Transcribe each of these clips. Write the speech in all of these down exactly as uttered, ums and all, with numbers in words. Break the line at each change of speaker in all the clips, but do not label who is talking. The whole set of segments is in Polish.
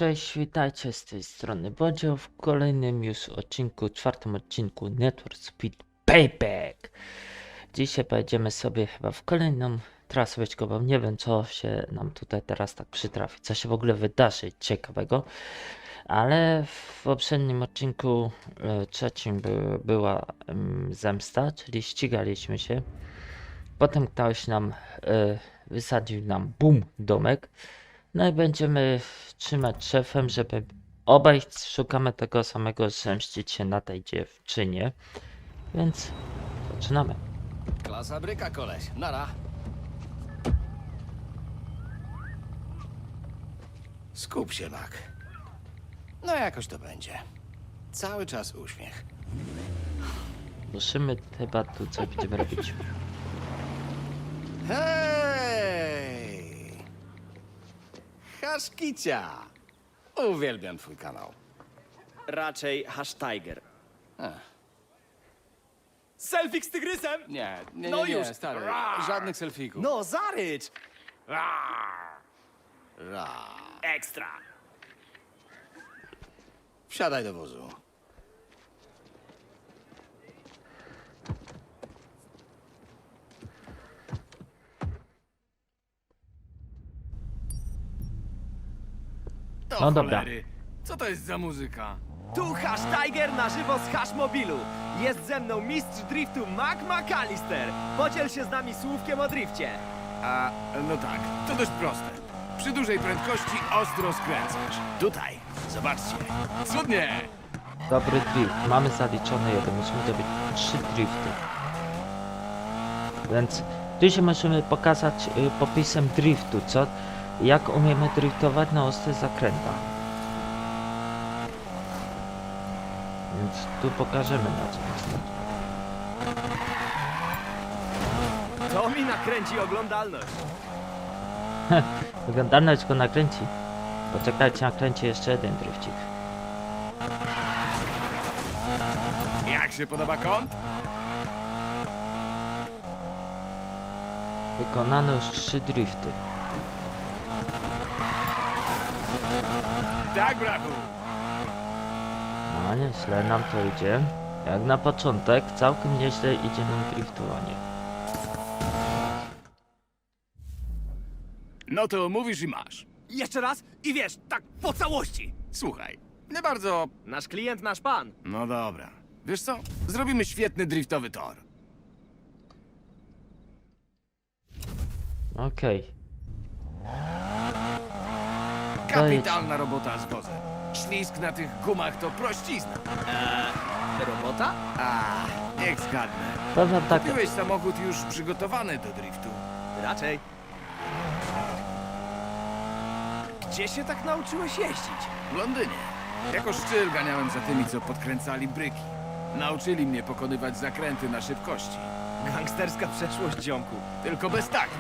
Cześć, witajcie z tej strony Bodzio w kolejnym już odcinku, czwartym odcinku Network Speed Payback. Dzisiaj pojedziemy sobie chyba w kolejną trasę wyścigową. Nie wiem, co się nam tutaj teraz tak przytrafi, co się w ogóle wydarzy ciekawego. Ale w poprzednim odcinku e, trzecim by, była em, zemsta, czyli ścigaliśmy się. Potem ktoś nam e, wysadził nam bum domek. No i będziemy trzymać szefem, żeby obaj szukamy tego samego, zemścić się na tej dziewczynie. Więc zaczynamy.
Klasa bryka, koleś. Nara. Skup się, Mac. No jakoś to będzie. Cały czas uśmiech.
Musimy chyba tu coś będziemy robić.
Hej! Haszkicia! Uwielbiam twój kanał.
Raczej Hashtiger.
Ech,
Selfie z tygrysem?
nie, nie,
No
nie, nie,
już.
stary.
Rar.
Żadnych selfików.
No, zarycz!
Ra.
Ekstra!
Wsiadaj do wozu.
To
No dobra.
cholery. Co to jest za muzyka?
Tu Hashtiger na żywo z Hashmobilu. Jest ze mną mistrz driftu Mac McAllister. Podziel się z nami słówkiem o drifcie.
A, no tak, to dość proste. Przy dużej prędkości ostro skręcasz. Tutaj, zobaczcie. Cudnie!
Dobry drift. Mamy zaliczony jeden. Musimy zrobić trzy drifty. Więc tu się możemy pokazać y, popisem driftu, co? Jak umiemy driftować na ostrych zakrętach. Więc tu pokażemy na co jest.
To mi nakręci oglądalność.
Oglądalność go nakręci. Poczekajcie, nakręci jeszcze jeden drifcik.
Jak się podoba kąt?
Wykonano już trzy drifty.
Tak, brachu.
No nieźle nam to idzie. Jak na początek całkiem nieźle idzie nam driftowanie.
No to mówisz i masz.
Jeszcze raz i wiesz, tak po całości.
Słuchaj, nie bardzo...
Nasz klient, nasz pan.
No dobra. Wiesz co? Zrobimy świetny driftowy tor.
Okej.
Kapitalna robota z wozem. Ślizg na tych gumach to prościzna.
Robota?
A, niech zgadnę.
Powiem tak,
Kupiłeś samochód już przygotowany do driftu.
Raczej. Gdzie się tak nauczyłeś jeździć?
W Londynie. Jako szczyl ganiałem za tymi, co podkręcali bryki. Nauczyli mnie pokonywać zakręty na szybkości.
Gangsterska przeszłość, ziomku.
Tylko bez takich.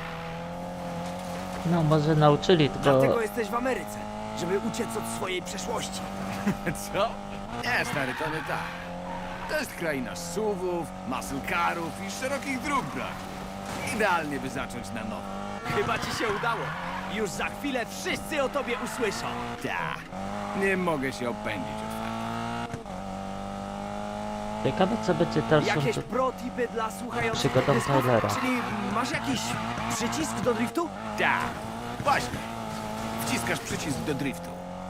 no może nauczyli, tylko
Dlatego jesteś w Ameryce, żeby uciec od swojej przeszłości.
Co? Nie, stary, to nie tak. To jest kraina suwów, muscle carów i szerokich dróg, brak. Idealnie, by zacząć na nowo.
Chyba ci się udało. Już za chwilę wszyscy o tobie usłyszą.
Ta. Nie mogę się opędzić otwarcie.
ciekawe co będzie dalszą.
Jakieś pro-tipy dla słuchających
Przygodą
dysków?
Tylera.
Czyli masz jakiś przycisk do driftu?
Ta. Właśnie. Wciskasz przycisk do driftu.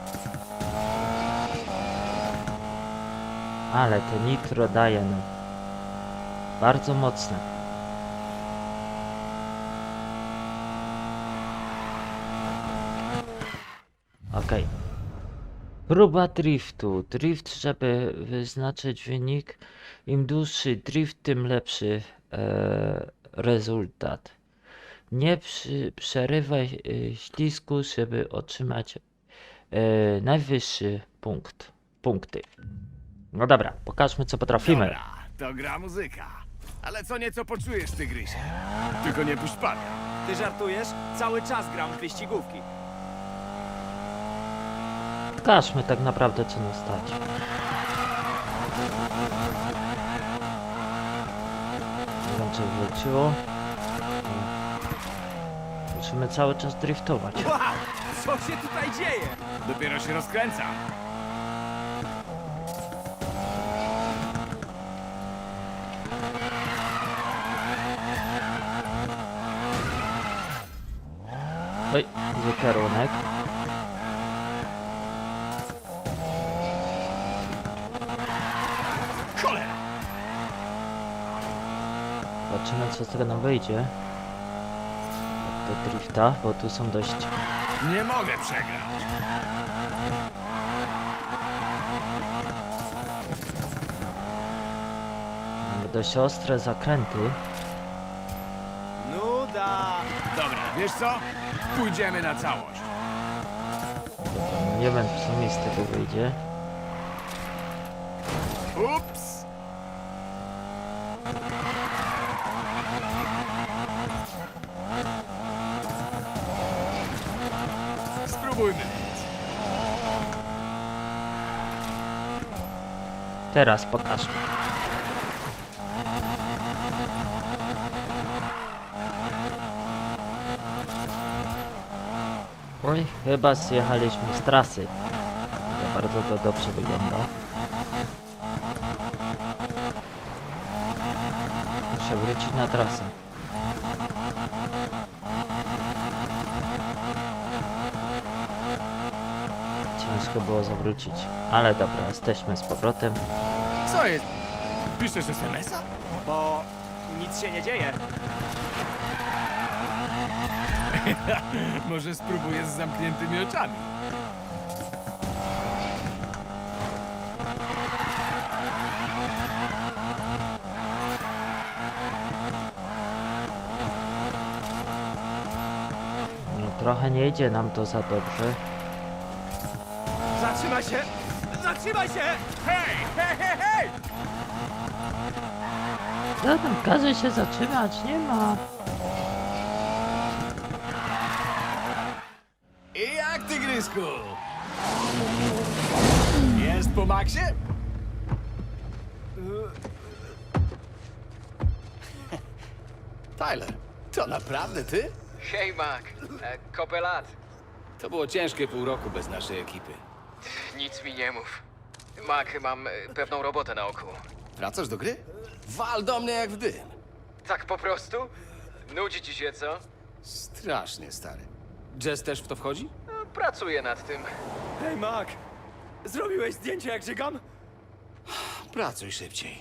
Ale te nitro daje nam. Bardzo mocne. Okej. Próba driftu. Drift, żeby wyznaczyć wynik. Im dłuższy drift, tym lepszy e, rezultat. Nie przy, przerywaj e, ślizgu, żeby otrzymać e, najwyższy punkt. Punkty. No dobra, pokażmy co potrafimy.
Dobra, to gra muzyka. Ale co nieco poczujesz, tygrysie. Tylko nie puść pada.
Ty żartujesz? Cały czas gram w wyścigówki.
Pokażmy tak naprawdę co nas stać. Nie wiem czy wróciło. musimy cały czas driftować.
Wow, co się tutaj dzieje?
Dopiero się rozkręca.
Oj, zły kierunek.
Cholera!
Zobaczymy, co z tego nam wyjdzie. Do drifta, bo tu są dość...
Nie mogę przegrać.
Mamy dość ostre zakręty.
Nuda.
Dobra, wiesz co? Pójdziemy na całość.
No nie wiem, co mi z tego wyjdzie.
Ups! Spróbujmy.
Teraz pokażmy. Oj, chyba zjechaliśmy z trasy. Ale bardzo to dobrze wygląda. Muszę wrócić na trasę. Ciężko było zawrócić, ale dobra, jesteśmy z powrotem.
Co jest? Piszesz es em es a?
Bo nic się nie dzieje.
Może spróbuję z zamkniętymi oczami.
No, trochę nie idzie nam to za dobrze.
Zatrzymaj się! Zatrzymaj się!
Hej, hej, hej, hej!
Zatem każe się zatrzymać, nie ma.
I jak tygrysku? Jest po maksie?
Tyler, to naprawdę ty?
Hej, Mac. E, kopę lat.
To było ciężkie pół roku bez naszej ekipy.
Nic mi nie mów. Mac, mam e, pewną robotę na oku.
Wracasz do gry? Wal do mnie jak w dym.
Tak po prostu? Nudzi ci się, co?
Strasznie stary. Jazz też w to wchodzi?
No, pracuję nad tym.
Hej, Mac. Zrobiłeś zdjęcie, jak żygam?
Pracuj szybciej.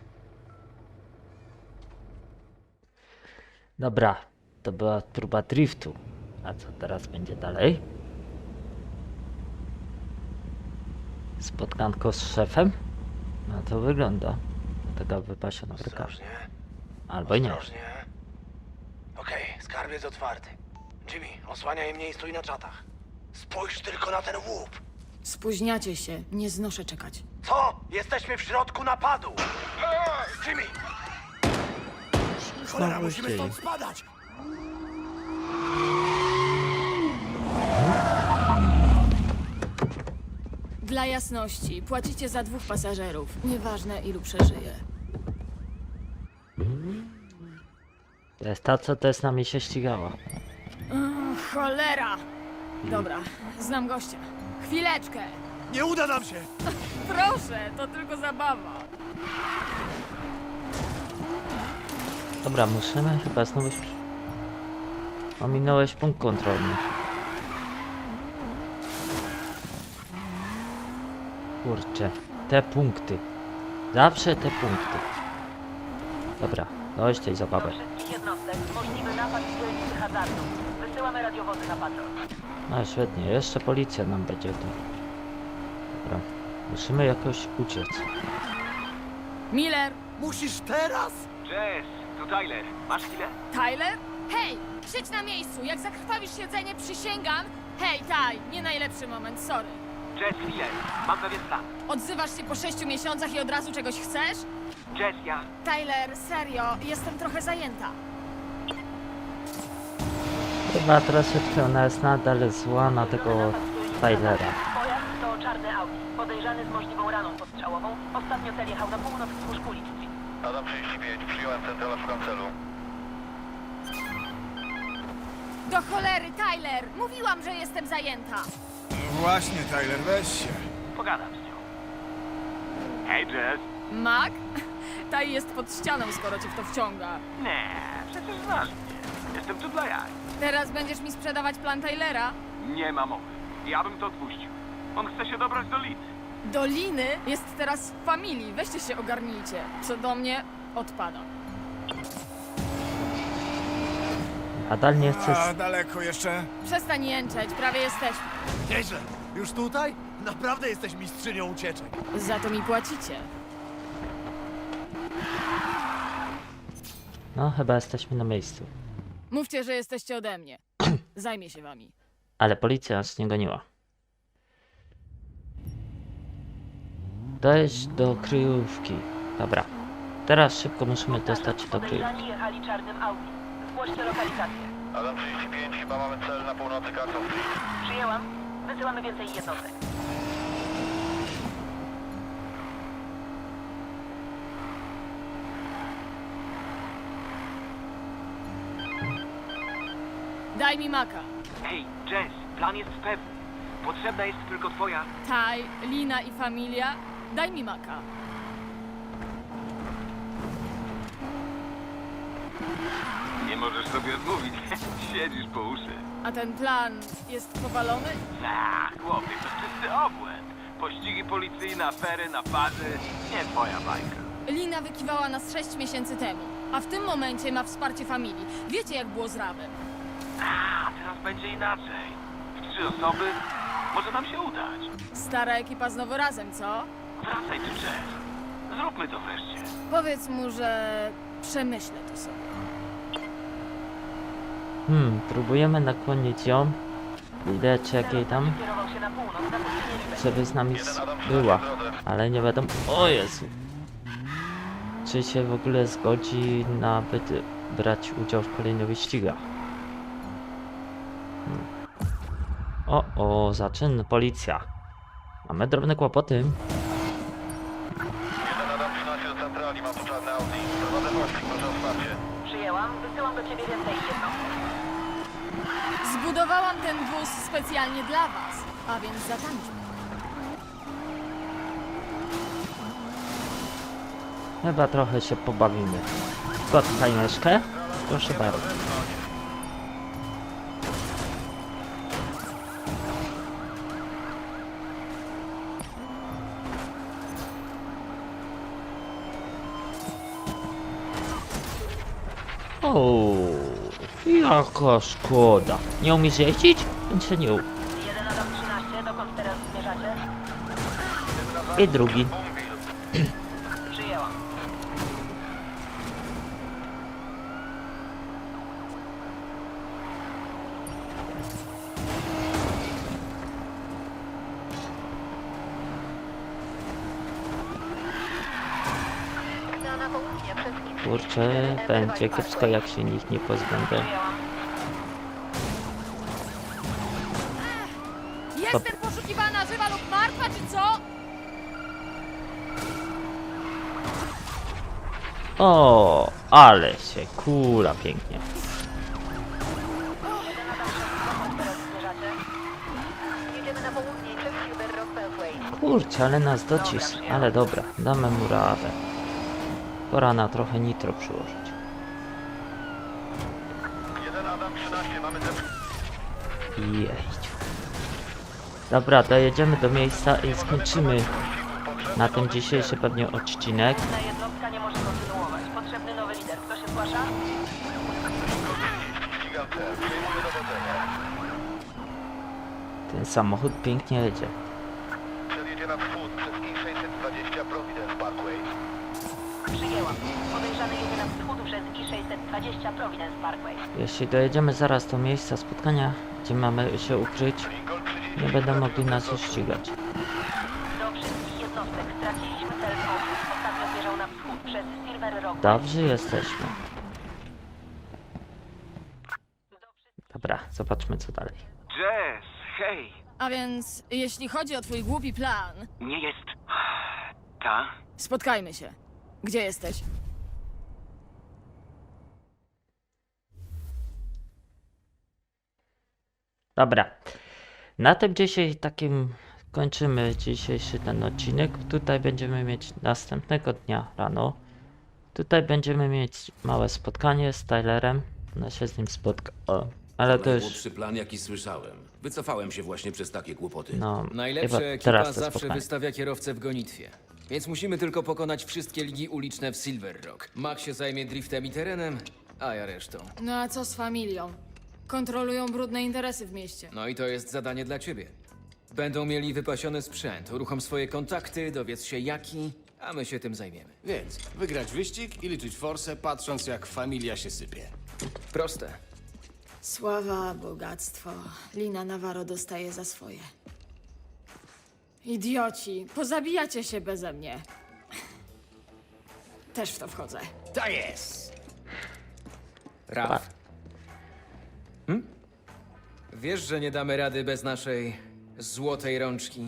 Dobra, to była próba driftu. A co teraz będzie dalej? Spotkanko z szefem? No to wygląda. Taka wypasiona bryka. Albo i nie.
Ostrożnie. Okej, skarbiec otwarty. Jimmy, osłaniaj mnie i stój na czatach. Spójrz tylko na ten łup.
Spóźniacie się, nie znoszę czekać.
Co? Jesteśmy w środku napadu. Jimmy! Cholera,
Znowu
musimy
dzieje.
stąd spadać.
Dla jasności, płacicie za dwóch pasażerów. Nieważne, ilu przeżyje.
To jest ta, co też z nami się ścigała.
Cholera! Dobra, znam gościa. Chwileczkę!
Nie uda nam się.
Proszę, to tylko zabawa.
Dobra, musimy chyba znowu... Ominąłeś punkt kontrolny. Kurczę, te punkty. Zawsze te punkty. Dobra, dość tej zabawy.
Wszystkich jednostek możliwy napad z dzielnicy hazardu. Wysyłamy radiowozy na patrol.
No świetnie, jeszcze policja nam będzie tu. Dobra, musimy jakoś uciec.
Miller!
Musisz teraz?
Jess, tu Tyler. Masz chwilę?
Tyler? Hej! Siedź na miejscu! Jak zakrwawisz siedzenie, przysięgam! Hej, Taj, nie najlepszy moment, sorry.
Jess, chwilę. Mam pewien plan.
Odzywasz się po sześciu miesiącach i od razu czegoś chcesz?
Jess, ja...
Tyler, serio, jestem trochę zajęta.
Chyba troszeczkę ona jest nadal zła na tego Tylera.
Pojazd to czarny Audi. Podejrzany z możliwą raną postrzałową. Ostatnio cel jechał na północ wzdłuż Coolidge Street.
Adam trzydzieści pięć, przyjąłem centrala, szukam celu.
Do cholery, Tyler! Mówiłam, że jestem zajęta.
Właśnie, Tyler, weź się.
Pogadam z nią.
Hej, Jess.
Mac? Taj jest pod ścianą, skoro cię w to wciąga.
Nie, przecież znasz mnie. Jestem tu dla jaj.
Teraz będziesz mi sprzedawać plan Tylera?
Nie ma mowy. Ja bym to odpuścił. On chce się dobrać do Liny.
Doliny jest teraz w familii, weźcie się ogarnijcie. Co do mnie, odpada.
Nadal nie chcesz...
A daleko jeszcze?
Przestań jęczeć, prawie jesteśmy.
Nieźle. Już tutaj? Naprawdę jesteś mistrzynią ucieczek.
Za to mi płacicie.
No, chyba jesteśmy na miejscu.
Mówcie, że jesteście ode mnie. Zajmie się wami.
Ale policja nas nie goniła. Dojść do kryjówki. Dobra. Teraz szybko musimy dostać się do kryjówki.
Podejrzani jechali czarnym Audi. Zgłoście lokalizację.
Adam trzydzieści pięć, chyba mamy cel na północy Carson Street.
Przyjęłam. Wysyłamy więcej jednostek.
Daj mi Maka.
Hej, Jess, plan jest pewny. Potrzebna jest tylko twoja...
Taj, Lina i familia. Daj mi Maka.
Nie możesz sobie odmówić. Siedzisz po uszy.
A ten plan jest powalony?
Ach, chłopie, to czysty obłęd. Pościgi policyjne, afery, napady. Nie twoja bajka.
Lina wykiwała nas sześć miesięcy temu, a w tym momencie ma wsparcie familii. Wiecie, jak było z Rawem.
A, teraz będzie inaczej. W trzy osoby może nam się udać.
Stara ekipa znowu razem, co?
Wracaj tu, Jess. Zróbmy to wreszcie.
Powiedz mu, że przemyślę to sobie.
Hmm, próbujemy nakłonić ją. Widać jakiej tam,
Kierował się na północ, na pustynię
żeby z nami s- była. Ale nie wiadomo... O Jezu! Czy się w ogóle zgodzi na byt brać udział w kolejnych wyścigach. Hmm. O, o, zaczyn, policja. Mamy drobne kłopoty.
Jeden Adam trzynaście do centrali, mam tu czarny Audi. Prowadzę pościg, proszę o wsparcie.
Przyjęłam. Wysyłam do ciebie więcej jednostek.
Zbudowałam ten wóz specjalnie dla was, a więc zatańczmy.
Chyba trochę się pobawimy. Spotkaj myszkę? Proszę bardzo. O, jaka szkoda. Nie umiesz jeździć? Więc się nie u.
Jeden Adam trzynaście, dokąd teraz zmierzacie?
I drugi.
Przyjęłam.
Kurczę, będzie kiepsko jak się nich nie pozbędę.
Przyjęłam.
Jestem poszukiwana żywa lub martwa, czy co?
O, ale się kula pięknie.
Jeden Adam sześć, dokąd teraz zmierzacie? Jedziemy na południe przez Silver Rock Beltway.
Kurczę, ale nas docisł. Ale dobra, damy mu radę. Pora na trochę nitro przyłożyć.
Jeden Adam trzynaście, mamy cel.
Jeźdź. Dobra, dojedziemy do miejsca i skończymy na tym dzisiejszy pewnie odcinek.
Ta jednostka nie może kontynuować. Potrzebny nowy lider. Kto się zgłasza?
Ścigam cel, przejmuję dowodzenie.
Ten samochód pięknie jedzie.
Przedjedzie na wschód przez I sześćset dwadzieścia Providence Parkway.
Przyjęłam. Podejrzany jedzie na wschód przez I sześćset dwadzieścia Providence Parkway.
Jeśli dojedziemy zaraz do miejsca spotkania, gdzie mamy się ukryć,
Lincoln trzydzieści
nie będą mogli nas już ścigać.
Do wszystkich jednostek straciliśmy cel w ogniu. Ostatnio zmierzał na wschód przez Silver Rock.
Dobrzy jesteśmy. Dobra, zobaczmy co dalej.
Jess, hej.
A więc, jeśli chodzi o twój głupi plan,
Nie jest... Ta?
spotkajmy się. Gdzie jesteś?
Dobra. Na tym dzisiaj takim kończymy dzisiejszy ten odcinek. Tutaj będziemy mieć następnego dnia rano. Tutaj będziemy mieć małe spotkanie z Tylerem. No się z nim spotka. O, ale to już.
Najgłupszy plan, jaki słyszałem. Wycofałem się właśnie przez takie kłopoty.
No,
Najlepsza
chyba
ekipa
teraz to
zawsze
spotkanie.
wystawia kierowcę w gonitwie. Więc musimy tylko pokonać wszystkie ligi uliczne w Silver Rock. Mac się zajmie driftem i terenem, a ja resztą.
No a co z familią? Kontrolują brudne interesy w mieście.
No i to jest zadanie dla ciebie. Będą mieli wypasiony sprzęt, uruchom swoje kontakty, dowiedz się jaki, a my się tym zajmiemy.
Więc wygrać wyścig i liczyć forsę, patrząc jak familia się sypie.
Proste.
Sława, bogactwo. Lina Navarro dostaje za swoje. Idioci, pozabijacie się beze mnie. Też w to wchodzę.
Tak jest!
Raf. Hm? Wiesz, że nie damy rady bez naszej złotej rączki.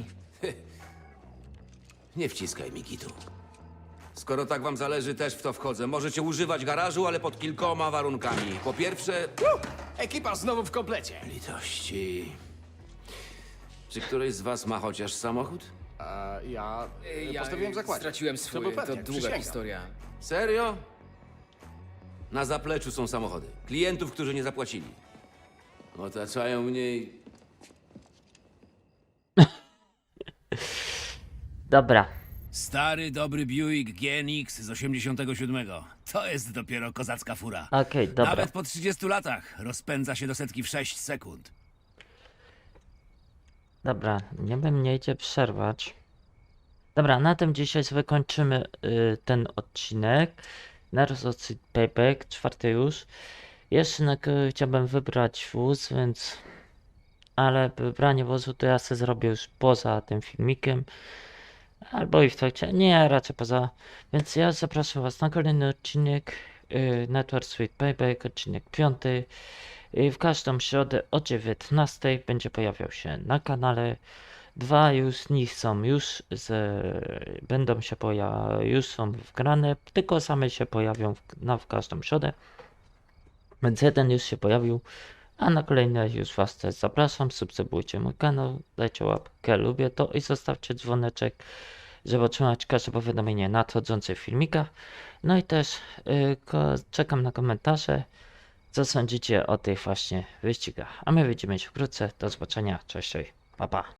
Nie wciskaj mi kitu. Skoro tak wam zależy, też w to wchodzę. Możecie używać garażu, ale pod kilkoma warunkami. Po pierwsze...
Ekipa znowu w komplecie.
Litości... Czy któryś z was ma chociaż samochód?
A ja,
Ja
ja postawiłem zakład.
straciłem swój,
był
to
pewniak,
długa
przysięgam.
historia.
Serio? Na zapleczu są samochody. Klientów, którzy nie zapłacili. Otaczają mnie i...
Dobra.
Stary, dobry Buick G N X z osiemdziesiątego siódmego. To jest dopiero kozacka fura.
Okej, dobra.
Nawet po trzydziestu latach rozpędza się do setki w sześć sekund.
Dobra, nie bym nie idzie przerwać. Dobra, na tym dzisiaj wykończymy y, ten odcinek. Narzucony Payback, czwarty już. Jeszcze na, chciałbym wybrać wóz, więc... Ale wybranie wozu to ja sobie zrobię już poza tym filmikiem. Albo i w trakcie. Nie, raczej poza. Więc ja zapraszam was na kolejny odcinek. Y, Network Sweet Payback, odcinek piąty. Y, w każdą środę o dziewiętnastej będzie pojawiał się na kanale. Dwa już z nich są już z, będą się pojawiać, już są wgrane, tylko same się pojawią w, na w każdą środę. Więc jeden już się pojawił, a na kolejne już was też zapraszam. Subskrybujcie mój kanał, dajcie łapkę, lubię to i zostawcie dzwoneczek, żeby otrzymać każde powiadomienie nadchodzących filmikach. No i też yy, ko- czekam na komentarze, co sądzicie o tych właśnie wyścigach. A my widzimy się wkrótce. Do zobaczenia, cześć, cześć, pa pa.